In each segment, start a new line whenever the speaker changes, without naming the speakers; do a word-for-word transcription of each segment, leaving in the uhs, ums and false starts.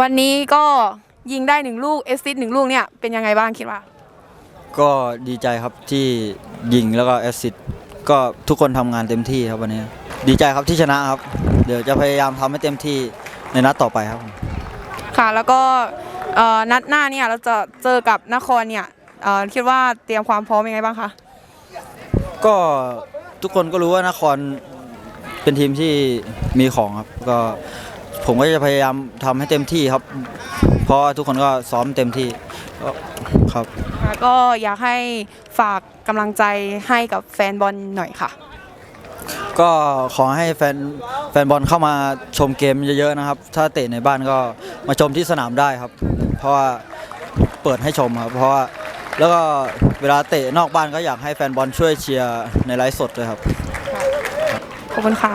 วันนี้ก็ยิงได้หนึ่งลูกเอสซิสต์หนึ่งลูกเนี่ยเป็นยังไงบ้างคิดว่า
ก็ดีใจครับที่ยิงแล้วก็แอสซิสต์ก็ทุกคนทำงานเต็มที่ครับวันนี้ดีใจครับที่ชนะครับเดี๋ยวจะพยายามทำให้เต็มที่ในนัดต่อไปครับ
ค่ะแล้วก็นัดหน้าเนี่ยเราจะเจอกับนครเนี่ยคิดว่าเตรียมความพร้อมยังไงบ้างคะ
ก็ทุกคนก็รู้ว่านครเป็นทีมที่มีของครับก็ผมก็จะพยายามทำให้เต็มที่ครับเพราะทุกคนก็ซ้อมเต็มที่ครับ
ก็อยากให้ฝากกำลังใจให้กับแฟนบอลหน่อยค่ะ
ก็ขอให้แฟนแฟนบอลเข้ามาชมเกมเยอะๆนะครับถ้าเตะในบ้านก็มาชมที่สนามได้ครับเพราะว่าเปิดให้ชมครับเพราะว่าแล้วก็เวลาเตะนอกบ้านก็อยากให้แฟนบอลช่วยเชียร์ในไลฟ์สดด้วยครับ
ขอบคุณค่ะ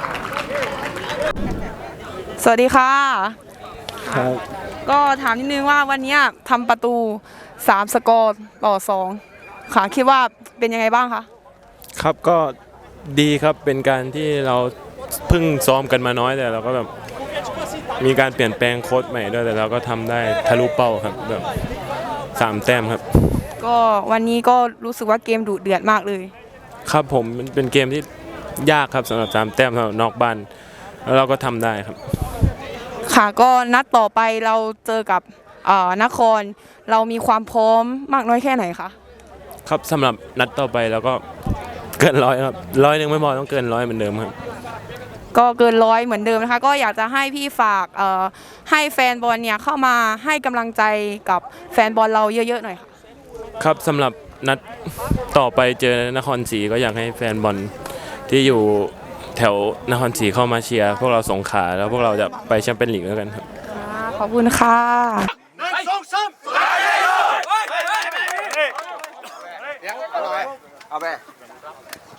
สวัสดีค่ะ
ครับ
ก็ถามนิดนึงว่าวันนี้ทำประตูสามสกอร์ต่อสองค่ะคิดว่าเป็นยังไงบ้างคะ
ครับก็ดีครับเป็นการที่เราเพิ่งซ้อมกันมาน้อยแต่เราก็แบบมีการเปลี่ยนแปลงโค้ชใหม่ด้วยแต่เราก็ทำได้ทะลุเป้าครับแบบสามแต้มครับ
ก็วันนี้ก็รู้สึกว่าเกมดุเดือดมากเลย
ครับผมมันเป็นเกมที่ยากครับสำหรับสามแต้มสำหรับนอกบ้านแล้วเราก็ทำได้ครับ
ค่ะก็นัดต่อไปเราเจอกับนครเรามีความพร้อมมากน้อยแค่ไหนคะ
ครับสำหรับนัดต่อไปเราก็เกินร้อยครับร้อยหนึ่งไม่พอต้องเกินร้อยเหมือนเดิมครับ
ก็เกินร้อยเหมือนเดิมนะคะก็อยากจะให้พี่ฝากให้แฟนบอลเนี่ยเข้ามาให้กำลังใจกับแฟนบอลเราเยอะๆหน่อยค่ะ
ครับสำหรับนัดต่อไปเจอนครศรีก็อยากให้แฟนบอลที่อยู่แถวนครศรีเข้ามาเชียร์พวกเราสงขลาแล้วพวกเราจะไปแชมเปี้ยนลีกแล้วกันครับ
ขอบคุณค่ะ
เอาไป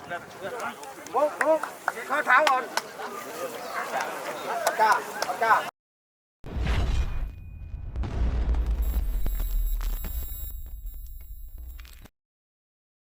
เข้าเท้าก่อนก้าก้า